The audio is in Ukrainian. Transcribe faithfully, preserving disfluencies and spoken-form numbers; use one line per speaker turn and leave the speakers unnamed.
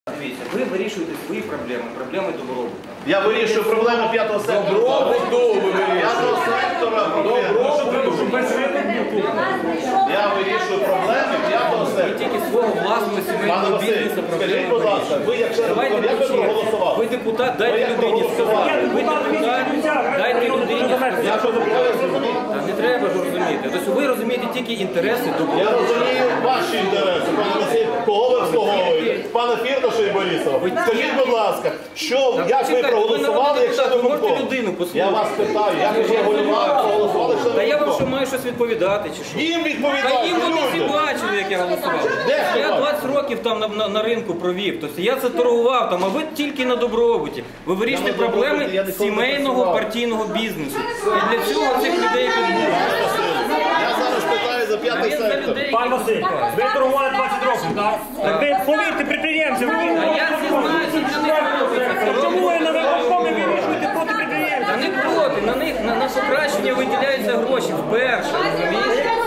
Дивіться, ви вирішуєте свої проблеми, проблеми добробуту.
Я вирішую проблеми п'ятого сектора. Добробуту ви вирішуєте. П'ятого сектора проблеми. Я вирішую проблеми п'ятого
Ви
сектора.
тільки свого власного
Пане
сімейного
Василь,
бізнесу
скажіть,
проблеми
будь ласка, ви як член
Давайте
виконкому, як ви
почнемо.
проголосували?
Ви депутат,
Ви
дайте
як
людині
проголосували?
сказати. Ви депутат, дайте людині
Я
сказати.
що зробив, розумію?
Та не треба ж розуміти. Тобто ви розумієте тільки інтереси
Я
добробуту.
розумію ваші інтереси, пане Василь, кого ви обслуговуєте? Пане Фірташа і Борисова. Скажіть, будь ласка, що, як ви
почекайте,
проголосували,
ви
якщо
народний
ви
депутат, ви можете
виконком?
людину послухати?
Я вас питаю, як ви проголосували, якщо
Та
ви
я вам що
виконком?
маю щось відповідати, чи що?
Їм
Та
відповідайте,
їм вони всі
люди.
бачили, як я голосував.
Де хто
Я
бачив?
двадцять років там на, на, на ринку провів. Тобто я це торгував там, а ви тільки на добробуті. Ви вирішуєте
Я на добробуті, я
проблеми
ніколи не
сімейного
працював.
партійного бізнесу. І для цього цих людей підбудуть.
Я зараз питаю за п'ятий сектор.
Пан Василь, ви торгували двадцять років, так? Так ви повірте підприємцям.
А я всі знаю, що для них робиться.
Чому ви на виконкомі вирішуєте проти
Та
підприємців?
не проти, на них на, на покращення виділяються гроші вперше, розумієте?